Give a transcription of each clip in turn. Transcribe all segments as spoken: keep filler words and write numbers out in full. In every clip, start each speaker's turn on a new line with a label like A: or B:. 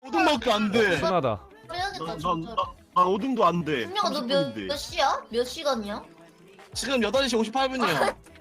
A: 오등밖에 안 돼.
B: 순하다.
C: 그래야겠다
A: 난,
C: 진짜.
A: 난, 나, 난 오등도 안 돼.
C: 분명아 너 몇 몇 시야? 몇 시간이야?
A: 지금 여덟 시 오십팔 분이요.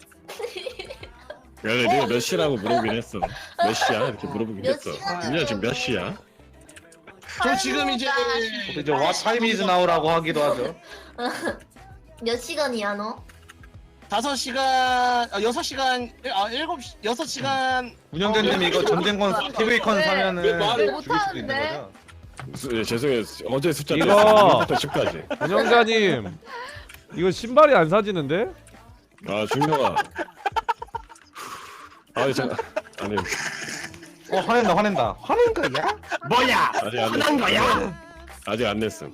D: 그래 내가 몇 시라고 물어보긴 했어. 몇 시야? 이렇게 물어보긴
C: 몇
D: 했어.
C: 시간이야?
D: 민야 지금 몇 시야?
A: 저 지금 이제
E: 이제 What time is now라고 하기도 하죠.
C: 몇 시간이야 너?
A: 다섯 시간, 아, 여섯 시간, 아 일곱 시, 여섯 시간.
E: 운영자님 이거 전쟁권 티비콘 사면은
F: 왜
E: 죽일 수도
F: 못하는데?
E: 있는 거죠?
D: 수- 예, 죄송해요. 어제 숫자
B: 이거!
D: 부터 십까지.
B: 운영자님 이거 신발이 안 사지는데?
D: 아 중령아. 아니 저 아니
E: 어 화낸다 화낸다. 화낸 거야?
A: 뭐야?
D: 아직 안
A: 화난
D: 냈어.
A: 거야?
D: 아직 안 냈음.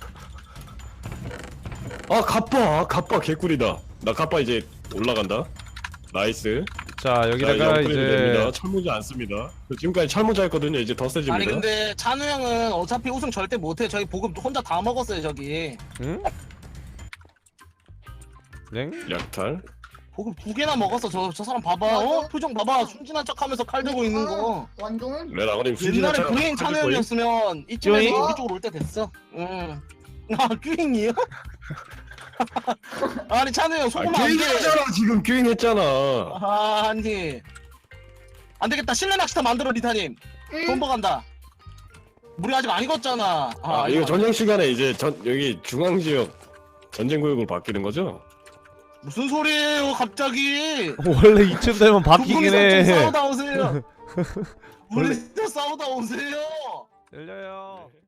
D: 아 갑바 갑바 개꿀이다. 나 갑바 이제 올라간다. 나이스.
B: 자
D: 자,
B: 여기다가
D: 이제 업그레이드 됩니다.
B: 이제
D: 철모자 안 씁니다. 지금까지 철모자 했거든요. 이제 더 세집니다.
A: 아니 근데 찬우 형은 어차피 우승 절대 못해. 저희 보급 혼자 다 먹었어요 저기.
B: 응? 랭?
D: 약탈.
A: 보급 두 개나 먹었어. 저 저 사람 봐봐. 어? 표정 봐봐. 순진한 척하면서 칼 들고 있는 거.
C: 완전.
D: 레 아버님 순진한
A: 옛날에
D: 척
A: 브레인 찬우
D: 하실 거임?
A: 형이었으면 이쯤에서
B: 쭈잉?
A: 우리 쪽으로 올 때 됐어. 응. 아 큐잉이요? 아니 찬우 형
D: 아,
A: 속으면 안 돼.
D: 큐잉했잖아 지금 큐잉했잖아.
A: 아 아니. 안 되겠다. 실내 낚시터 만들어 리타님. 돈 버간다. 물이 아직 안 익었잖아.
D: 아, 이거 저녁 시간에 이제 전 여기 중앙 지역 전쟁 구역으로 바뀌는 거죠?
A: 무슨 소리예요 갑자기?
B: 원래 이쯤 되면 바뀌긴
A: 두 분이서 좀
B: 해.
A: 싸우다 오세요. 우리 싸우다 오세요.
B: 열려요.